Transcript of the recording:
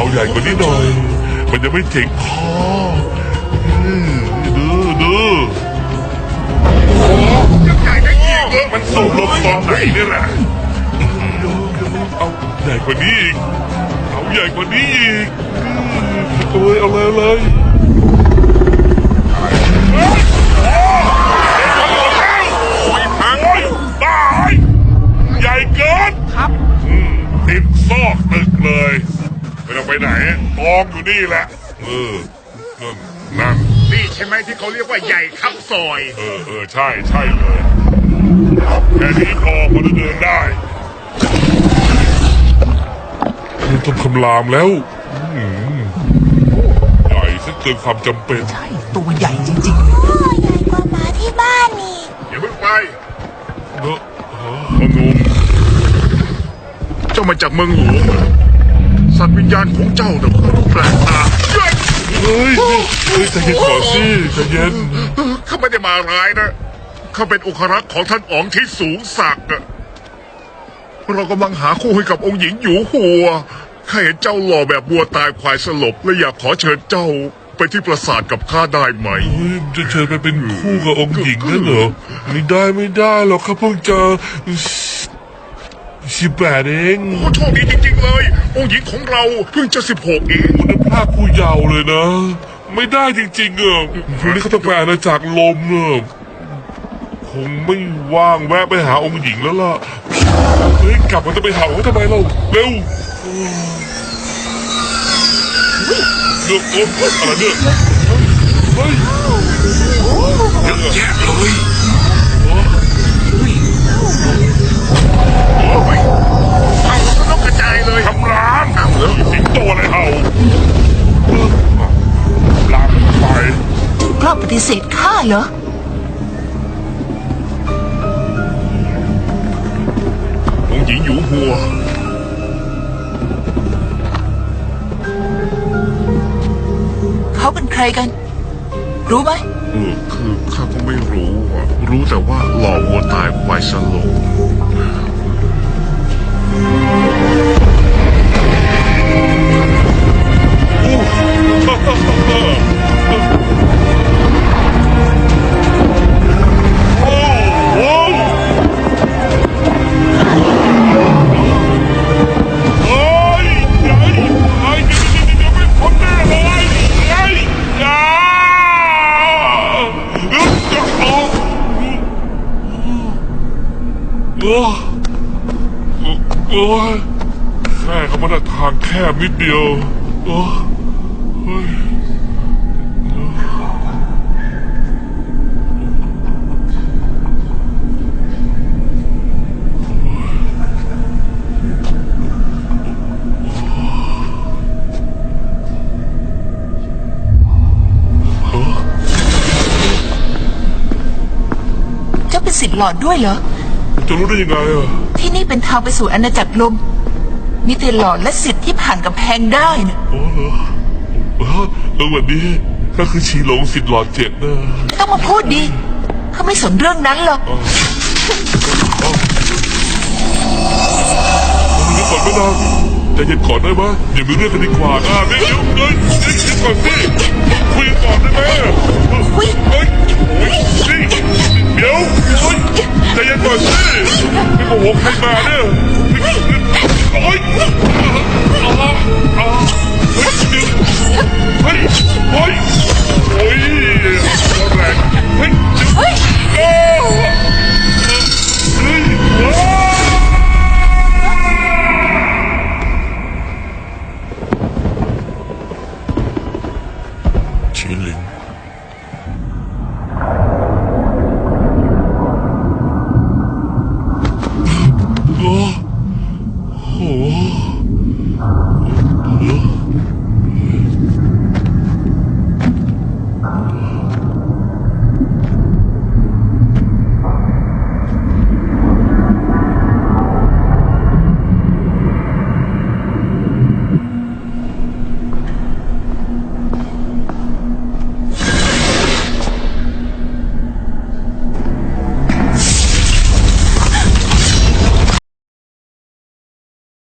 ใหญ่กว่านี้หน่อยมันจะไม่เจ็บคอดูใหญ่ได้อีกมันสูงลงตอนไหนนี่แหละเอาใหญ่กว่านี้อีกเอาใหญ่กว่านี้อีกโอ้ยเอาเลยพังตายใหญ่เกินครับติดซอกตึกเลยไม่ต้องไปไหนกองอยู่นี่แหละนั่นนี่ใช่ไหมที่เขาเรียกว่าใหญ่ครับซอยใช่เลยแค่นี้พอมันจะเดินได้มันต้องคำรามแล้วใหญ่ซะเกินความจำเป็นใช่ตัวใหญ่จริงๆใหญ่กว่าหมาที่บ้านนี่อย่าเพิ่งไปเนอะพนมเจ้ามาจากเมืองหลวงสัตว์วิญญาณของเจ้าเนี่ยแปลกตาเฮ้ยใจเย็นก่อนสิใจเย็นข้าไม่ได้มาร้ายนะข้าเป็นองครักษ์ของท่านอ๋องที่สูงศักดิ์เรากำลังหาคู่ให้กับองค์หญิงอยู่หัวข้าเห็นเจ้าหล่อแบบบัวตายควายสลบและอยากขอเชิญเจ้าไปที่ปราสาทกับข้าได้ไหมจะเชิญไปเป็นคู่กับองค์หญิงนั่นเหรอไม่ได้หรอกข้าเพิ่งจะ18เองโอ้โชคดีจริงๆเลยองค์หญิงของเราเพิ่งจะ16เองมันพลาดคู่เยาว์เลยนะไม่ได้จริงๆพรุ่งนี้เขาต้องไปอาณาจักรลมคงไม่ว่างแวะไปหาองค์หญิงแล้วล่ะเฮ้ยกลับมาจะไปหาเขาทำไมเราเร็วเลือกอะไรเนี่ยเฮ้ยเยอะแยะเลยต้องกระจายเลยทำร้านสิงโตอะไรเห่าลามไปๆกล้าปฏิเสธข้าเหรอองค์หญิงอยู่หัวเขาเป็นใครกันรู้ไหมคือข้าก็ไม่รู้รู้แต่ว่าหล่อวัวตายควายสลบโอ้ยแม่เขามาได้ทางแคบนิดเดียวโอ้ยเจ้าเป็นศิษย์หลอดด้วยเหรอจะรู้ได้ยังไงที่นี่เป็นทางไปสู่อาณาจักรลมมีแต่หลอดและศิษย์ที่ผ่านกำแพงได้นะโอ้เหรอวันนี้ก็คือชีหลงศิษย์หลอด7นะไม่ต้องมาพูดดิเขาไม่สนเรื่องนั้นหรอกเดี๋ยวก่อนไม่นานใจเย็นก่อนได้ไหมอย่ามีเรื่องกันดีกว่านะเดี๋ยวก่อนสิคุยก่อนได้ไหมเดี๋ยวใจเย็นก่อนสิไม่โกหกใครมาเนี่ยโอ๊ยเฮ้ยแรงเฮ้ยชิลิงโอ้โห